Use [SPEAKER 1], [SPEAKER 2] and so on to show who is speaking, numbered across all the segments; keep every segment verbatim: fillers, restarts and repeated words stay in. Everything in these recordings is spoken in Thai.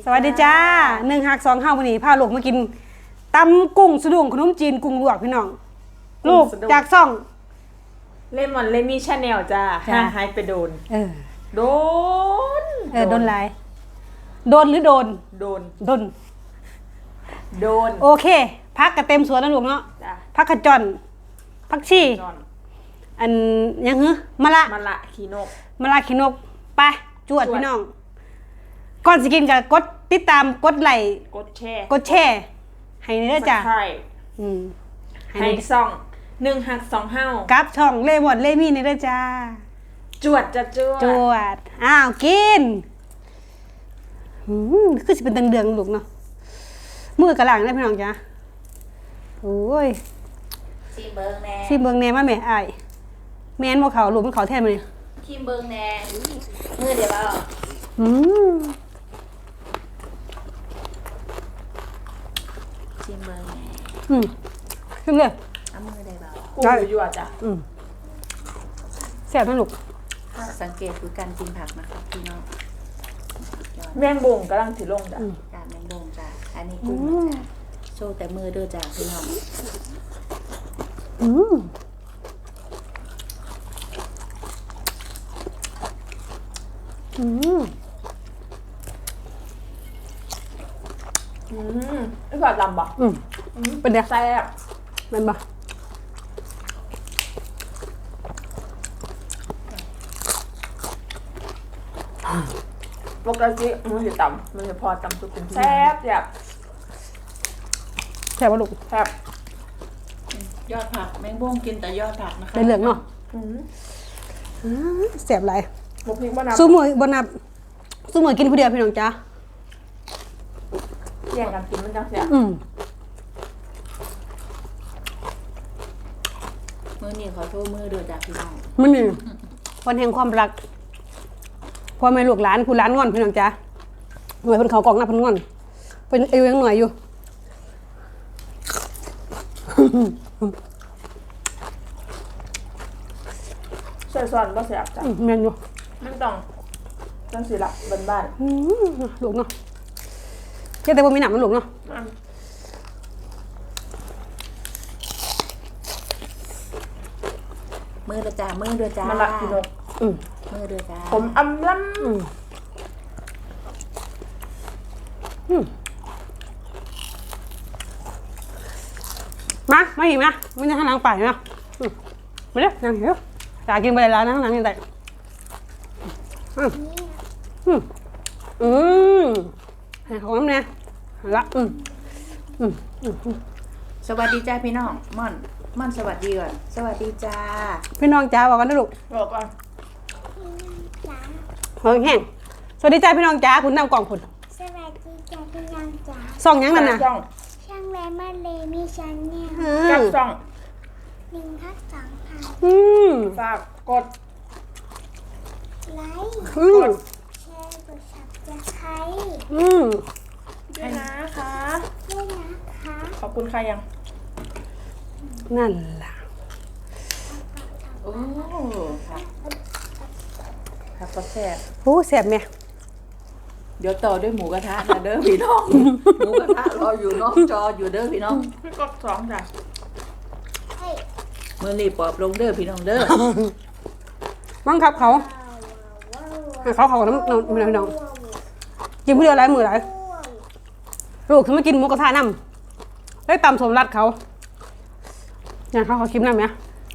[SPEAKER 1] สวัสดีจ้าหนึ่งหักสองห้าวันนี้พาลูกมากินตำกุ้งสะดุ้งขนมจีนกุ้งลวกพี่น้องลูกจากซ่อง
[SPEAKER 2] เลมอนเลมี่ชาแนลจ้าหาหายไปโดน
[SPEAKER 1] เออ
[SPEAKER 2] โดน
[SPEAKER 1] เออโดนไรโดนหรือโดน
[SPEAKER 2] โดน
[SPEAKER 1] โดน
[SPEAKER 2] โดน
[SPEAKER 1] โอเคพักกระเต็มสวนนะลูกเนาะพักขจรพักชีอันยังหื้อมะละ
[SPEAKER 2] มะละขีนก
[SPEAKER 1] มะละขีนกไปจวดพี่น้องก่อนสิกินกับกดติดตามกดไลค์
[SPEAKER 2] กดแชร์
[SPEAKER 1] กดแชร์ให้เด้อจ้า
[SPEAKER 2] อืมให้ซ่องหนึ่งหักสองห้า
[SPEAKER 1] กับช่องเลมอนเลมี่นี่เด้อจ้า
[SPEAKER 2] จวดจะจวด
[SPEAKER 1] จวดอ้าวกินอืมคือสิเป็นเดืองๆลูกเนาะมือกระหลังได้พี่น้องจ้าโอ้ย
[SPEAKER 3] ซีเบิงแน่
[SPEAKER 1] ซีเบิงแน่มาแม่อ้ายแม่นบ่เขาลูกมันเขาแท้มื้อนี้
[SPEAKER 3] ซีเบิงแน่มือเดี๋ยวเอา
[SPEAKER 1] อืม
[SPEAKER 3] ซีเบิงแน่
[SPEAKER 1] อืมขึ้นเลย
[SPEAKER 3] เอามือได้เบา
[SPEAKER 2] กูอยู่อ่ะจ้ะ
[SPEAKER 1] อืมแซ่บนะลูก
[SPEAKER 3] สังเกตคือการกินผักนะคะพี่น้อง
[SPEAKER 2] แมงบงกำลังถือลงจ้ะ
[SPEAKER 3] จ้าแมงบงจ้าอันนี้กุ้งจ้าโชว์แต่มือเด้อจ้าพี่น้อง
[SPEAKER 1] อืมอืม
[SPEAKER 2] อืมไม่ผ่าดำบ่
[SPEAKER 1] อืมเป็นไง
[SPEAKER 2] แซ่บ
[SPEAKER 1] มันบ่
[SPEAKER 2] ปกติมันจะต่ำมันจะพอต่ำสุดเป็นแซ่บแบบ
[SPEAKER 1] แซ่บป่ะลูก
[SPEAKER 2] แซ่บ
[SPEAKER 3] ยอดผักแมงบงกินแต่ยอดผักนะคะ
[SPEAKER 1] ได้เหลืองเนาะแซ่บไร
[SPEAKER 2] บุกพริกบ้านับ
[SPEAKER 1] สู้มือบนับสู้มือกินผู้เดียวพี่น้องจ้า
[SPEAKER 2] แย่งกันกินมันจังแซ่บ
[SPEAKER 3] มือนี่ขอโทษมือเด้อจ้าพี่น้อง
[SPEAKER 1] มือนี่วันแห่งความรักพ่อแม่ลูกหลานผู้หลานงอนพี่น้องจ้าหน่วยเพิ่นเขากองหน้าเพิ่นงอนเป็นอายุยังหน่อยอยู่
[SPEAKER 2] ใส่ส่วนบ่แซ่บจ้ะ
[SPEAKER 1] แม่นอยู่
[SPEAKER 2] มันต้องจังสิล่ะบ้าน
[SPEAKER 1] ๆลูกเนาะแค่แต่บ่มีหนำมันลูกเนาะ
[SPEAKER 3] มือเด้อจ้ามือเด้อจ้า
[SPEAKER 2] มันละกินก
[SPEAKER 1] อืม
[SPEAKER 3] มือเด้อจ้า
[SPEAKER 2] ผมอำล้ำ
[SPEAKER 1] อืมอืมมามาหิมนะไม่ได้ข้างหลังไปนะมาเด้อนั่งเดี๋ยวอยากกินไปแล้วนะข้างหลังยังไงอืมอืมอืมให้ของน้ำเนี่ยละอืมอืมอืม
[SPEAKER 3] สวัสดีจ้าพี่น้องม่อนม่อนสวัสดีก่อนสวัสดีจ้า
[SPEAKER 1] พี่น้องจ้าบอกกันนะลูก
[SPEAKER 2] บอกก่อน
[SPEAKER 1] เฮ้ยแห้งสวัสดีจ้าพี่น้องจ้าคุณนำกล่องคุณ
[SPEAKER 4] สวัสดีจ้าพี่น้องจ้า
[SPEAKER 1] ส่องยังนั่นน่ะ
[SPEAKER 4] ช่างแรมมาเลมีชันเนี่ย
[SPEAKER 2] กับส่อง
[SPEAKER 4] หนึ่งทักสองพัน
[SPEAKER 1] อืม
[SPEAKER 2] ฝากกด
[SPEAKER 4] ไลค์
[SPEAKER 1] กด
[SPEAKER 4] แชร์กดซับสไครต์
[SPEAKER 1] อืม
[SPEAKER 2] ด้วยนะคะ
[SPEAKER 4] ด้วยนะคะ
[SPEAKER 2] ขอบคุณค่ะยัง
[SPEAKER 1] นั่นล่ะ
[SPEAKER 3] โอ้ครับครับก็แซ่บ
[SPEAKER 1] โอ้แซ่บไหม
[SPEAKER 3] เดี๋ยวต่อด้วยหมูกระทะนะเด้อพี่น้องหมูกระทะรออยู่นอกจออยู่เด้อพี่น้อง
[SPEAKER 2] พี่กดสองจ้ะ
[SPEAKER 3] เมื่อรีบปอบลงเด้อพี่น้องเด้อ
[SPEAKER 1] บังคับเขาเขาเขาน้ำน้ำพี่น้องกินผู้เดียวหลายมือหลายลูกเขาไม่กินหมูกระทะน้ำได้ตำสมรัดเขาอย่างเขาเขาคิดน้ำไหม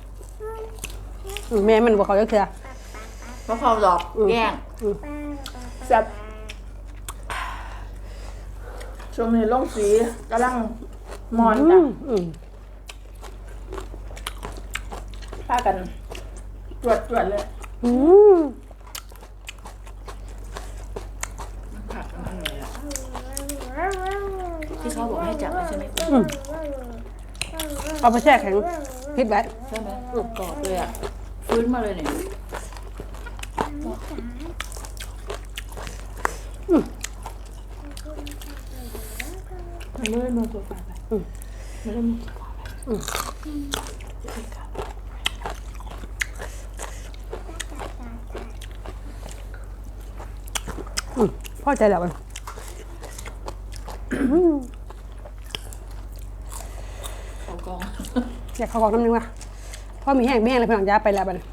[SPEAKER 1] แม่มันบอกเขาเยอะเถื่อ
[SPEAKER 3] เพราะเขาหลอกแย่ง
[SPEAKER 2] แซ่บช่วงนี้ลงสีกำลังมอนจ้ะพากันตรวจตรวจเลย
[SPEAKER 3] ที่เขาบอกให้จับใช่ไหม
[SPEAKER 1] เอาไปแช่แข็งพิษไว้
[SPEAKER 3] ใช่ไหมกรอบเลยอ่ะฟื้นมาเลยเนี่ย
[SPEAKER 2] ไม่ได้มือตัวไปไม่ได้มือ
[SPEAKER 1] พ่อใจแล้วมัน
[SPEAKER 3] เขากอง
[SPEAKER 1] อยากเขาบอกน้ำนึงว่ะพ่อมีแห้งไม่แห้งเลยพี่น้องจ้าไปแล้วบัดนี้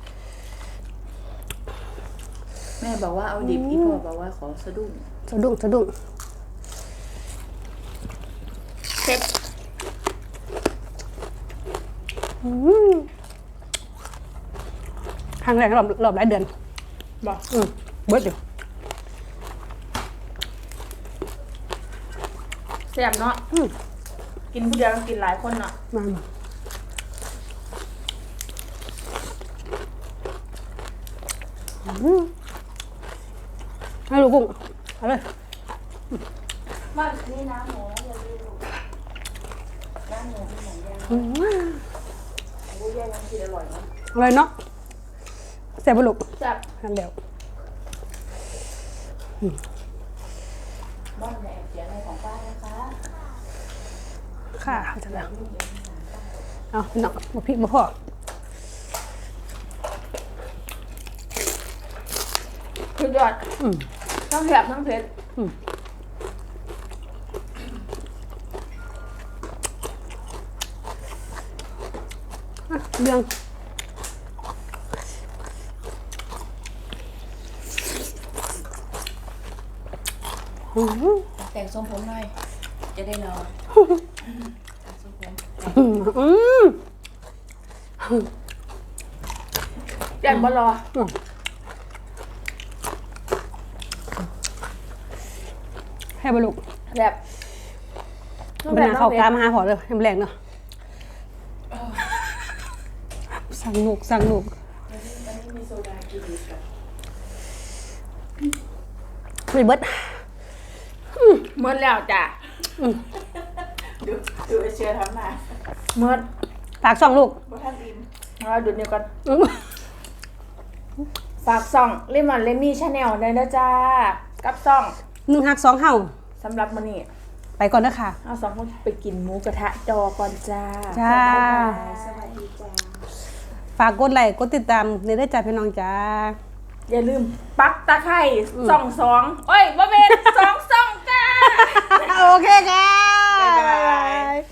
[SPEAKER 3] แม่บอกว่าเอาดิบอีพ่อบอกว่าขอสะดุ้ง
[SPEAKER 1] สะดุ้งสะดุ้ง
[SPEAKER 2] เซ็ต
[SPEAKER 1] อืมครั้งแรกรอบรอบหลายเดือน
[SPEAKER 2] บอก
[SPEAKER 1] อืมเบิดอยู่
[SPEAKER 2] แซ่บเนาะ
[SPEAKER 1] อืม
[SPEAKER 2] กินผู้เดียวกินหลายคนเนาะ
[SPEAKER 1] มาอืมให้ลูกกุ้งเอาเลย
[SPEAKER 3] บ้านนี่น้ำหมูอย่าลืมน้ำหมูเป็นหมูย่าง
[SPEAKER 1] อืม
[SPEAKER 3] หมูย่างยังกินอร่อยนะ
[SPEAKER 1] อร่อยเนาะแซ่บปะลูก
[SPEAKER 2] แซ่บ
[SPEAKER 1] ทานเดียว
[SPEAKER 3] บ้านแม่เสียงในของป้านะคะ
[SPEAKER 1] ค่ะจะแล้วเอาพี่น้องมาพี่มาพ่อ
[SPEAKER 2] สุดยอด
[SPEAKER 1] อืม
[SPEAKER 2] ทั้งแซ่บทั้งเผ็ด
[SPEAKER 1] อืมอ่ะเรื่องอืม
[SPEAKER 3] แต่งทรงผมหน่อย จะได้นอนแต่งทรงผม
[SPEAKER 1] อืมอืม
[SPEAKER 2] แซ่บบ่รอ
[SPEAKER 1] ให้บลูก
[SPEAKER 2] แซ่บทั้ง
[SPEAKER 1] เป็น
[SPEAKER 2] แซ่บ
[SPEAKER 1] นา
[SPEAKER 2] ทั้
[SPEAKER 1] เข้าง
[SPEAKER 2] เผ็
[SPEAKER 1] กา
[SPEAKER 2] ด
[SPEAKER 1] มาหาพอเลยให้มันแรงเนาะสั่งหนุกสั่งหนุก
[SPEAKER 3] อันนี้มีโซดากินดีกับ
[SPEAKER 1] ไม่เบิด
[SPEAKER 2] เมื่อแล้วจ้ะ
[SPEAKER 3] ดูดูไอเชียร์ทำหน้า
[SPEAKER 2] เมื่อ
[SPEAKER 1] ฝากช่องลูก
[SPEAKER 3] บ่ท่านอิ่ม
[SPEAKER 2] เราดูนี่ก่อน
[SPEAKER 1] อืม
[SPEAKER 2] ฝากซ่องเลมอนเลมี่ชาแนลได้นะจ้ากับซ่อง
[SPEAKER 1] หนึ่งหักสองเห่า
[SPEAKER 2] สำหรับมื้อนี้
[SPEAKER 1] ไปก่อนนะค่ะ
[SPEAKER 2] เอาสองคนไปกินหมูกระทะจอก่อนจ้า
[SPEAKER 1] จ้า
[SPEAKER 3] สวัสดีจ้า
[SPEAKER 1] ฝากกดไลค์กดติดตามในได้จ่าพี่น้องจ้า
[SPEAKER 2] อย่าลืมปักตะไคร่ส่องสองโอ้ยบ่เป็นสองส่องจ้า
[SPEAKER 1] โอเคค่ะ
[SPEAKER 2] บ๊ายบาย